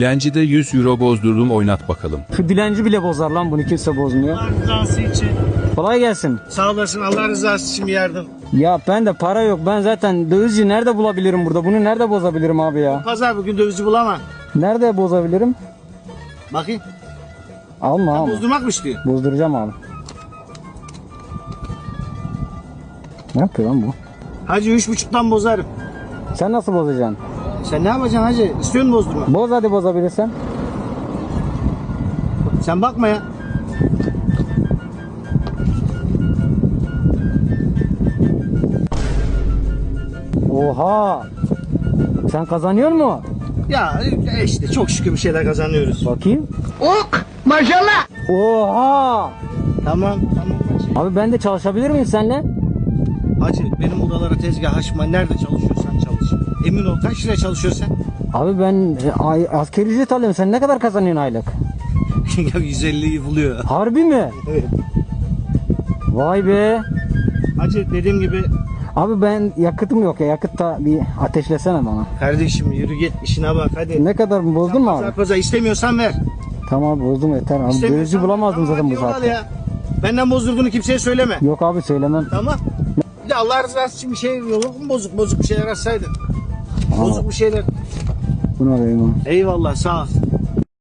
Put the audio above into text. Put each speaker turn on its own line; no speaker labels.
Dilencide 100 euro bozdurdum, oynat bakalım.
Şu dilenci bile bozar lan, bunu kimse bozmuyor.
Allah rızası için.
Kolay gelsin.
Sağ olasın, Allah rızası için bir yardım.
Ya ben de para yok. Ben zaten dövizci nerede bulabilirim burada? Bunu nerede bozabilirim abi ya?
Pazar bugün dövizci bulamam.
Nerede bozabilirim?
Bakayım.
Alma alma.
Bozdurmak mı istiyor?
Bozduracağım abi. Ne yapıyor lan bu?
Hacı 3,5'tan bozarım.
Sen nasıl bozacaksın?
Sen ne yapacaksın hacı? İstiyor musun bozdurma?
Boz hadi bozabilirsen.
Sen bakma ya.
Oha! Sen kazanıyor mu?
Ya işte çok şükür bir şeyler kazanıyoruz.
Bakayım.
Ok! Maşallah!
Oha!
Tamam hacı.
Abi ben de çalışabilir miyim seninle?
Hacı benim odalara tezgah açma. Nerede çalışıyorsan çalış. Emin ol, kaç liraya çalışıyorsun sen?
Abi ben asgari ücret alıyorum. Sen ne kadar kazanıyorsun aylık?
Ya 150'yi buluyor.
Harbi mi?
Evet.
Vay be.
Hacı dediğim gibi
Abi ben yakıtım yok ya. Yakıtta bir ateşlesene bana.
kardeşim yürü git işine bak hadi.
Ne kadar mı bozdun mu abi?
Pazar istemiyorsan ver.
Tamam bozdum yeter abi.
İstemiyorsan-
Dövizci bulamazdım
Tamam,
zaten bu
hadi yol al
saatte.
ya. Benden bozdurduğunu kimseye söyleme.
Yok abi söylemem.
Tamam. Bir de Allah rızası için bir şey yok mu, bozuk bir şeyler açsaydın. Bozuk bir şeyler.
Bunu alayım abi.
Eyvallah, sağ ol.